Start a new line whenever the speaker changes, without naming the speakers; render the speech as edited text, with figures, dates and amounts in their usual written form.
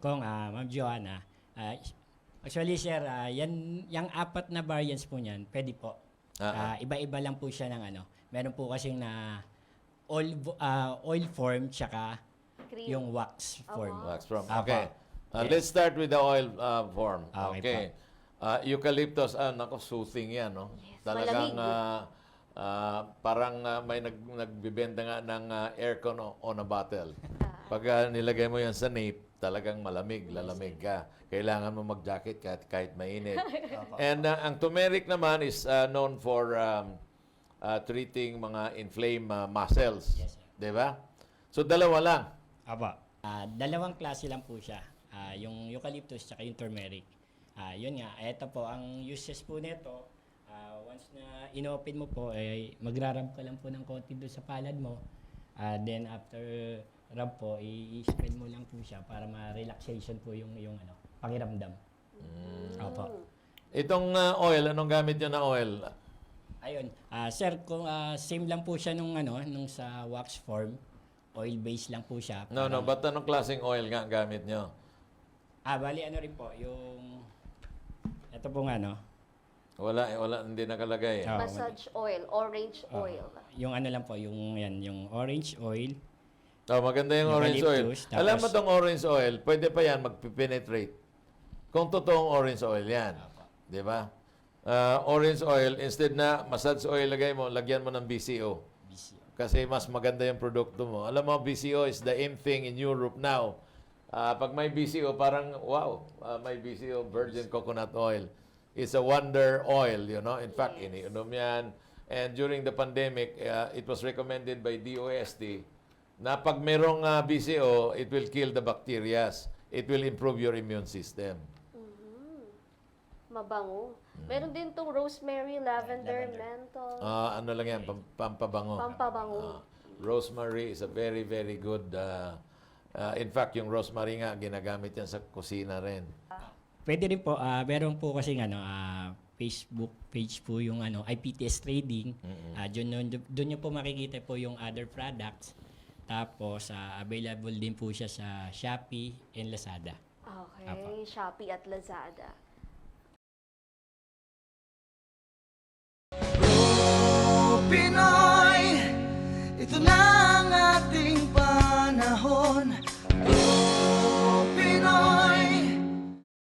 Kung Ma'am Joanna, ah, actually sir, yung apat na variants po niyan, pwede po. Iba-iba lang po siya ng ano. Meron po kasing na oil form tsaka
Cream.
yung wax form.
Wax from.
Apa.
Okay.
Yes.
Let's start with the oil form.
Okay
Okay. Eucalyptus, nako, soothing yan, no?
Yes,
Talagang
malamig.
parang may nagbibenta nga ng aircon on a bottle. Pag nilagay mo yan sa nape, talagang malamig, lalamig ka. Kailangan mo mag-jacket kahit mainit. And ang turmeric naman is known for treating mga inflamed muscles.
Yes, sir.
Di ba? So, dalawa lang.
Aba. Dalawang klase lang po siya. Yung eucalyptus tsaka yung turmeric. Yun nga, ito po, ang uses po nito, once na inopen mo po, magrarab ka lang po ng konti doon sa palad mo. Then after rub po, i-spell mo lang po siya para ma-relaxation po yung ano, pakiramdam. Opo.
Itong oil, anong gamit nyo na oil?
Ayun. Sir, kung same lang po siya nung ano, nung sa wax form, oil base lang po siya.
No, ba't anong klaseng oil nga gamit nyo?
Bali ano rin po, yung ito pong ano,
Wala, hindi nakalagay.
Massage oil, orange oil.
yung ano lang po, yung yan, yung orange oil.
Maganda yung orange oil.
Eucalyptus, tapos-
Alam mo tong orange oil, pwede pa yan mag-penetrate. Kung totoong orange oil yan. Di ba? Orange oil, instead na massage oil lagyan mo ng BCO. Kasi mas maganda yung produkto mo. Alam mo, BCO is the in thing in Europe now. Pag may BCO, parang, wow, may BCO, virgin coconut oil. It's a wonder oil, you know. In fact, iniinom yan. And during the pandemic, it was recommended by DOST na pag merong BCO, it will kill the bacteria. It will improve your immune system.
Mabango. Meron din tong rosemary, lavender, menthol.
Ano lang yan, pampabango.
Pampabango.
Rosemary is a very, very good. In fact, yung rosemary nga, ginagamit yan sa kusina rin.
Pwede rin po, meron po kasi ano, Facebook page po yung ano, IPTS Trading. Doon nyo po makikita po yung other products. Tapos, available din po siya sa Shopee and Lazada.
Okay, Shopee at Lazada.
Pinoy, ito na